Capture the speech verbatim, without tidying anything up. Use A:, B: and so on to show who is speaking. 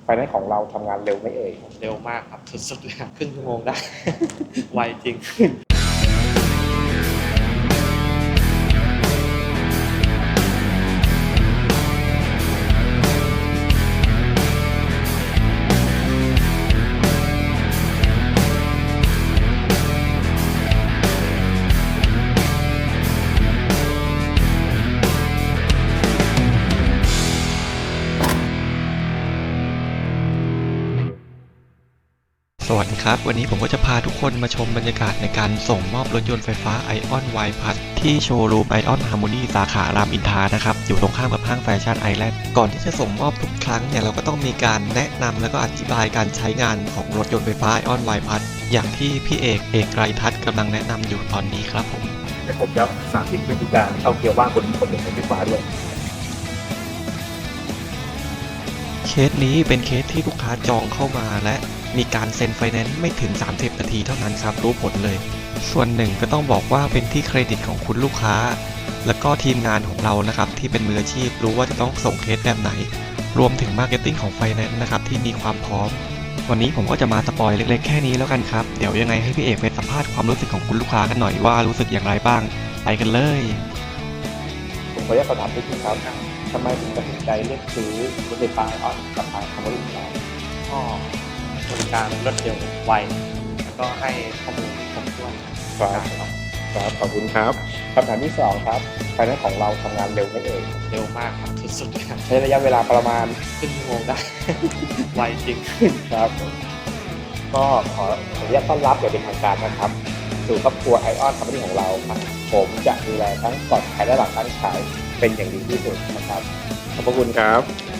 A: ไฟแนนซ์ของเราทำงานเร็วไหมเอ่ย
B: เร็วมากครับสุดๆเลยครึ่งชั่วโมงได้ ไวจริง
C: สวัสดีครับวันนี้ผมก็จะพาทุกคนมาชมบรรยากาศในการส่งมอบรถยนต์ไฟฟ้า ไอออน Y Plus ที่โชว์รูม ไอออน Harmony สาขารามอินทรานะครับอยู่ตรงข้ามกับห้างแฟชั่นไอแลนด์ก่อนที่จะส่งมอบทุกครั้งเนี่ยเราก็ต้องมีการแนะนำแล้วก็อธิบายการใช้งานของรถยนต์ไฟฟ้า ไอออน Y Plus อย่างที่พี่เอกเอกไกรทัศน์กำลังแนะนำอยู่ตอนนี้ครับผม
A: เดี๋ยวผมจะสาธิตวิธีการเอาเกียร์ว่างบนบนรถไฟฟ้าด้วย
C: เคสนี้เป็นเคสที่ลูกค้าจองเข้ามาและมีการเซ็นไฟแนนซ์ไม่ถึงสามสิบนาทีเท่านั้นครับรู้ผลเลยส่วนหนึ่งก็ต้องบอกว่าเป็นที่เครดิตของคุณลูกค้าแล้วก็ทีมงานของเรานะครับที่เป็นมืออาชีพรู้ว่าจะต้องส่งเคสแบบไหนรวมถึงมาร์เก็ตติ้งของไฟแนนซ์นะครับที่มีความพร้อมวันนี้ผมก็จะมาสปอยเล็กๆแค่นี้แล้วกันครับเดี๋ยวยังไงให้พี่เอกไปสัมภาษณ์ความรู้สึกของคุณลูกค้ากันหน่อยว่ารู้สึกอย่างไรบ้างไปกันเลย
A: ผมขออนุญาตสอบถามนิดนึงครับทำไมถึงตัดสินใจเลือกซื้อรถไฟฟ้าไอออนกับทางคอมมูนิตี้
B: ก็บริการรวดเร็วไวแล้วก็ให้ข้อมูลครบถ้วน
A: ครับครับขอบคุณครับคำถามที่สองครับไฟแนนซ์ของเราทำงานเร็วไหมเอ่ย
B: เร็วมากครับสุดๆเลย
A: ใช้ระยะเวลาประมาณ
B: ครึ่งชั่วโมงได้ ไวจริง
A: ครับก็ขออนุญาตต้อนรับอย่างเป็นทางการนะครับสู่ครอบครัวไอออนคอมพานีของเราครับผมจะดูแลทั้งก่อนขายและหลังการขายเป็นอย่างดีที่สุดนะครับขอบพระคุณครับ